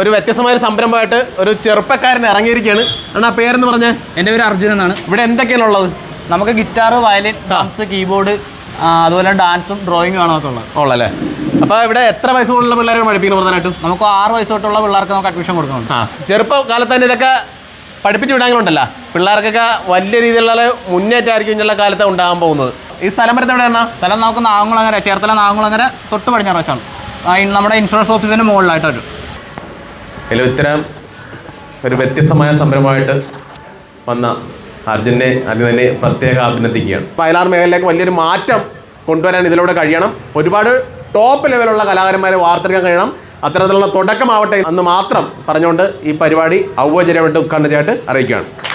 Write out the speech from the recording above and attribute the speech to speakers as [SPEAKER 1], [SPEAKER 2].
[SPEAKER 1] ഒരു വ്യത്യസ്തമായ ഒരു സംരംഭമായിട്ട് ഒരു ചെറുപ്പക്കാരൻ ഇറങ്ങിയിരിക്കുകയാണ്. ആ പേരെന്ന് പറഞ്ഞേ?
[SPEAKER 2] എൻ്റെ പേര് അർജുൻ എന്നാണ്.
[SPEAKER 1] ഇവിടെ എന്തൊക്കെയാണ് ഉള്ളത്?
[SPEAKER 2] നമുക്ക് ഗിറ്റാർ, വയലിൻ, ഡ്രംസ്, കീബോർഡ്, അതുപോലെ ഡാൻസും ഡ്രോയിങ്ങും ആണ് നമുക്ക്
[SPEAKER 1] ഉള്ളല്ലേ. അപ്പോൾ ഇവിടെ എത്ര വയസ്സ് മുതലുള്ള പിള്ളേരെ പഠിപ്പിക്കുന്നു? പ്രധാനമായിട്ടും
[SPEAKER 2] നമുക്ക് 6 വയസ്സ് തൊട്ടുള്ള പിള്ളേർക്ക് നമുക്ക് അഡ്മിഷൻ കൊടുക്കുന്നുണ്ട്.
[SPEAKER 1] ചെറുപ്പകാലത്ത് തന്നെ ഇതൊക്കെ പഠിപ്പിച്ച് വിടാങ്ങളുണ്ടല്ലോ, പിള്ളേർക്കൊക്കെ വലിയ രീതിയിലുള്ള മുന്നേറ്റമായിരിക്കും ഇങ്ങനെയുള്ള കാലത്ത് ഉണ്ടാകാൻ പോകുന്നത്. ഈ സ്ഥലം വരുന്നത് എവിടെയാണ്?
[SPEAKER 2] സ്ഥലം നമുക്ക് നാഗംകുളങ്ങര, ചേർത്തല നാഗംകുളങ്ങര തൊട്ട് പടിഞ്ഞാറ് വശമാണ്. നമ്മുടെ ഇൻഷുറൻസ് ഓഫീസിൻ്റെ മുകളിലായിട്ട് വരും.
[SPEAKER 1] ഇതിൽ ഇത്തരം ഒരു വ്യത്യസ്തമായ സംരംഭമായിട്ട് വന്ന അർജുനെ തന്നെ പ്രത്യേക അഭിനന്ദിക്കുകയാണ്. വയലാർ മേഖലയിലേക്ക് വലിയൊരു മാറ്റം കൊണ്ടുവരാൻ ഇതിലൂടെ കഴിയണം. ഒരുപാട് ടോപ്പ് ലെവലുള്ള കലാകാരന്മാരെ വാർത്തെടുക്കാൻ കഴിയണം. അത്തരത്തിലുള്ള തുടക്കമാവട്ടെ എന്ന് മാത്രം പറഞ്ഞുകൊണ്ട് ഈ പരിപാടി ഔപചാരികമായിട്ട് ഉദ്ഘാടനം ചെയ്യാനായിട്ട് അറിയിക്കുകയാണ്.